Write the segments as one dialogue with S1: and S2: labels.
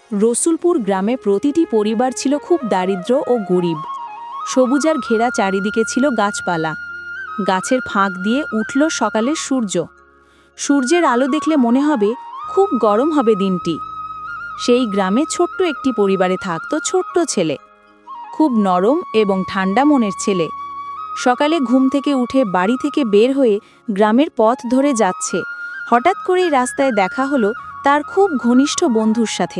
S1: রসুলপুর গ্রামে প্রতিটি পরিবার ছিল খুব দারিদ্র ও গরিব। সবুজার ঘেরা চারিদিকে ছিল গাছপালা। গাছের ফাঁক দিয়ে উঠল সকালের সূর্য। সূর্যের আলো দেখলে মনে হবে খুব গরম হবে দিনটি। সেই গ্রামে ছোট্ট একটি পরিবারে থাকত ছোট্ট ছেলে, খুব নরম এবং ঠান্ডা মনের ছেলে। সকালে ঘুম থেকে উঠে বাড়ি থেকে বের হয়ে গ্রামের পথ ধরে যাচ্ছে, হঠাৎ করেই রাস্তায় দেখা হলো তার খুব ঘনিষ্ঠ বন্ধুর সাথে।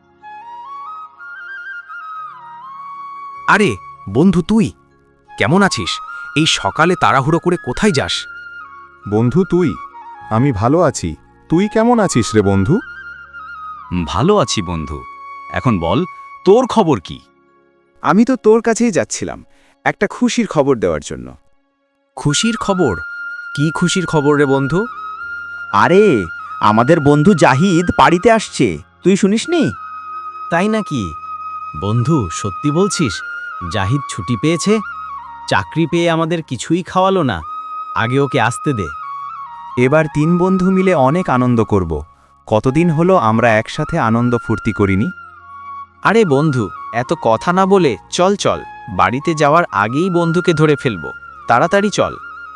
S2: আরে বন্ধু, তুই কেমন আছিস? এই সকালে তাড়াহুড়ো করে কোথায় যাস?
S3: বন্ধু তুই, আমি ভালো আছি। তুই কেমন আছিস রে বন্ধু?
S4: ভালো আছি বন্ধু। এখন বল, তোর খবর কি?
S5: আমি তো তোর কাছেই যাচ্ছিলাম একটা খুশির খবর দেওয়ার জন্য।
S2: খুশির খবর? কি খুশির খবর রে বন্ধু?
S6: আরে আমাদের বন্ধু জাহিদ বাড়িতে আসছে, তুই শুনিসনি?
S7: তাই নাকি? বন্ধু, সত্যি বলছিস? জাহিদ ছুটি পেয়েছে? চাকরি পেয়ে আমাদের কিছুই খাওয়ালো না। আগে ওকে আসতে দে।
S5: এবার 3 বন্ধু মিলে অনেক আনন্দ করব। কতদিন হলো আমরা একসাথে আনন্দ ফুর্তি করিনি।
S4: আরে বন্ধু, এত কথা না বলে চল চল, বাড়িতে যাওয়ার আগেই বন্ধুকে ধরে ফেলবো। তাড়াতাড়ি চল।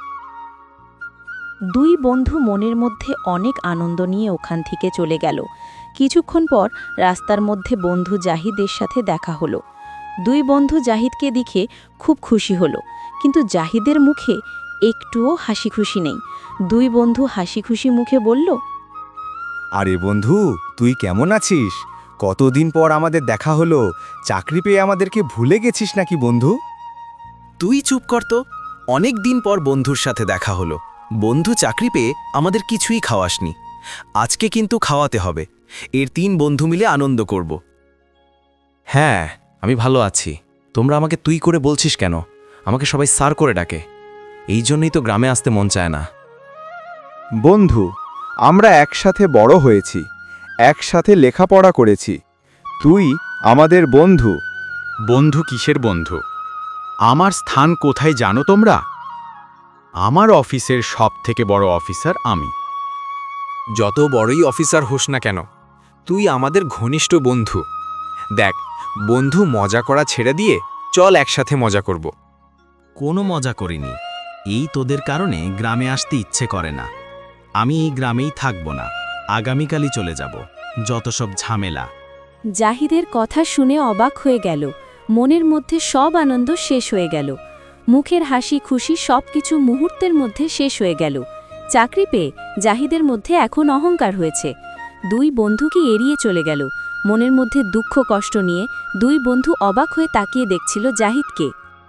S1: দুই বন্ধু মনের মধ্যে অনেক আনন্দ নিয়ে ওখান থেকে চলে গেল। কিছুক্ষণ পর রাস্তার মধ্যে বন্ধু জাহিদের সাথে দেখা হলো। দুই বন্ধু জাহিদকে দেখে খুব খুশি হলো, কিন্তু জাহিদের মুখে একটুও হাসি খুশি নেই। দুই বন্ধু হাসি খুশি মুখে বলল,
S5: আরে বন্ধু, তুই কেমন আছিস? কতদিন পর আমাদের দেখা হলো। চাকরি পেয়ে আমাদেরকে ভুলে গেছিস নাকি বন্ধু?
S2: তুই চুপ কর তো। অনেক দিন পর বন্ধুর সাথে দেখা হলো। বন্ধু চাকরি পেয়ে আমাদের কিছুই খাওয়াসনি। আজকে কিন্তু খাওয়াতে হবে। এর 3 বন্ধু মিলে আনন্দ করব। হ্যাঁ, আমি ভালো আছি। তোমরা আমাকে তুই করে বলছিস কেন? আমাকে সবাই স্যার করে ডাকে। এই জন্যই তো গ্রামে আসতে মন চায় না।
S5: বন্ধু, আমরা একসাথে বড় হয়েছি, একসাথে লেখাপড়া করেছি। তুই আমাদের বন্ধু।
S4: বন্ধু কিসের বন্ধু? আমার স্থান কোথায় জানো তোমরা? আমার অফিসের সবথেকে বড় অফিসার আমি।
S2: যত বড়ই অফিসার হোস না কেন, তুই আমাদের ঘনিষ্ঠ বন্ধু। দেখ, বন্ধু মজা করা ছেড়ে দিয়ে চল একসাথে মজা করব।
S7: কোনো মজা করিনি। এই তোদের কারণে গ্রামে আসতে ইচ্ছে করে না। আমি এই গ্রামেই থাকব না, আগামীকালই চলে যাব। যত সব ঝামেলা।
S1: জাহিদের কথা শুনে অবাক হয়ে গেল। মনের মধ্যে সব আনন্দ শেষ হয়ে গেল। মুখের হাসি খুশি সবকিছু মুহূর্তের মধ্যে শেষ হয়ে গেল। চাকরি পেয়ে জাহিদের মধ্যে এখন অহংকার হয়েছে। দুই বন্ধুকে এড়িয়ে চলে গেল। মনের মধ্যে দুঃখ কষ্ট নিয়ে দুই বন্ধু অবাক হয়ে তাকিয়ে দেখছিল জাহিদকে।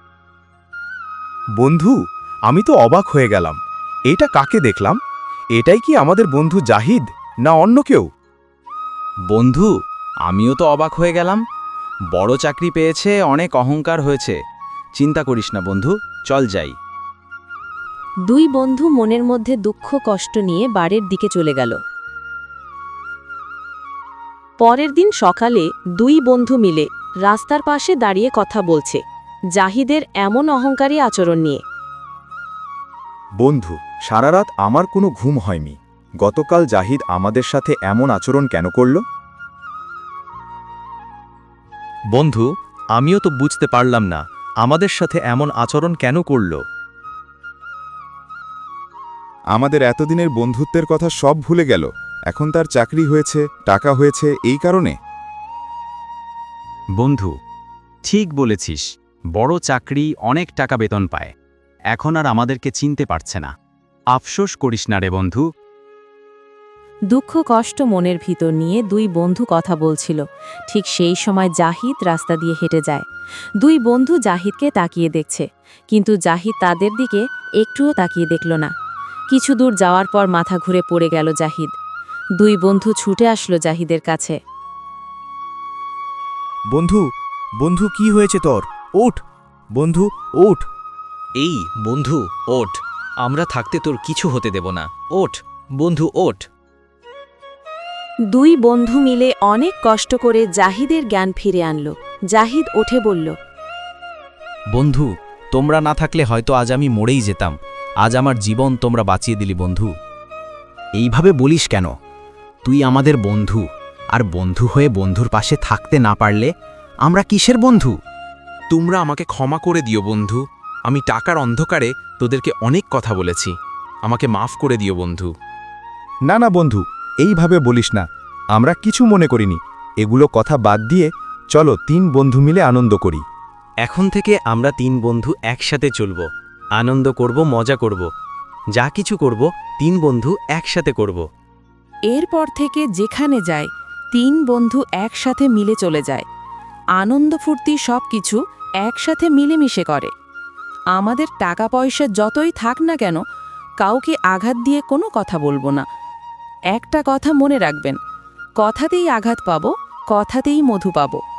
S5: বন্ধু, আমি তো অবাক হয়ে গেলাম। এটা কাকে দেখলাম? এটাই কি আমাদের বন্ধু জাহিদ, না অন্য কেউ?
S4: বন্ধু, আমিও তো অবাক হয়ে গেলাম। বড় চাকরি পেয়েছে, অনেক অহংকার হয়েছে। চিন্তা করিস না বন্ধু, চল যাই।
S1: দুই বন্ধু মনের মধ্যে দুঃখ কষ্ট নিয়ে বাড়ির দিকে চলে গেল। পরের দিন সকালে দুই বন্ধু মিলে রাস্তার পাশে দাঁড়িয়ে কথা বলছে জাহিদের এমন অহংকারী আচরণ নিয়ে।
S5: বন্ধু, সারা রাত আমার কোনো ঘুম হয়নি। গতকাল জাহিদ আমাদের সাথে এমন আচরণ কেন করল?
S7: বন্ধু, আমিও তো বুঝতে পারলাম না আমাদের সাথে এমন আচরণ কেন করল।
S3: আমাদের এতদিনের বন্ধুত্বের কথা সব ভুলে গেল। এখন তার চাকরি হয়েছে, টাকা হয়েছে, এই কারণে।
S4: বন্ধু, ঠিক বলেছিস। বড় চাকরি, অনেক টাকা বেতন পায়। এখন আর আমাদেরকে চিনতে পারছে না। আফসোস করিস না রে বন্ধু।
S1: দুঃখ কষ্ট মনের ভিতর নিয়ে দুই বন্ধু কথা বলছিল। ঠিক সেই সময় জাহিদ রাস্তা দিয়ে হেঁটে যায়। দুই বন্ধু জাহিদকে তাকিয়ে দেখছে, কিন্তু জাহিদ তাদের দিকে একটুও তাকিয়ে দেখল না। কিছু দূর যাওয়ার পর মাথা ঘুরে পড়ে গেল জাহিদ। দুই বন্ধু ছুটে আসলো জাহিদের কাছে।
S5: বন্ধু, বন্ধু কি হয়েছে তোর? ওঠ বন্ধু, ওঠ।
S2: এই বন্ধু, ওঠ। আমরা থাকতে তোর কিছু হতে দেব না। ওঠ বন্ধু, ওঠ।
S1: দুই বন্ধু মিলে অনেক কষ্ট করে জাহিদের জ্ঞান ফিরে আনল। জাহিদ উঠে বলল,
S7: বন্ধু, তোমরা না থাকলে হয়তো আজ আমি মরেই যেতাম। আজ আমার জীবন তোমরা বাঁচিয়ে দিলি বন্ধু।
S2: এইভাবে বলিস কেন? তুই আমাদের বন্ধু,
S4: আর বন্ধু হয়ে বন্ধুর পাশে থাকতে না পারলে আমরা কিসের বন্ধু?
S8: তোমরা আমাকে ক্ষমা করে দিও বন্ধু। আমি টাকার অন্ধকারে তোদেরকে অনেক কথা বলেছি। আমাকে মাফ করে দিও বন্ধু।
S5: না না বন্ধু, এইভাবে বলিস না। আমরা কিছু মনে করিনি। এগুলো কথা বাদ দিয়ে চলো 3 বন্ধু মিলে আনন্দ করি।
S9: এখন থেকে আমরা 3 বন্ধু একসাথে চলব, আনন্দ করব, মজা করব, যা কিছু করব 3 বন্ধু একসাথে করব।
S1: এরপর থেকে যেখানে যায় 3 বন্ধু একসাথে মিলে চলে যায়। আনন্দ ফুর্তি সব কিছু একসাথে মিলেমিশে করে। আমাদের টাকা পয়সা যতই থাক না কেন, কাউকে আঘাত দিয়ে কোনো কথা বলবো না। একটা কথা মনে রাখবেন, কথাতেই আঘাত পাবো, কথাতেই মধু পাবো।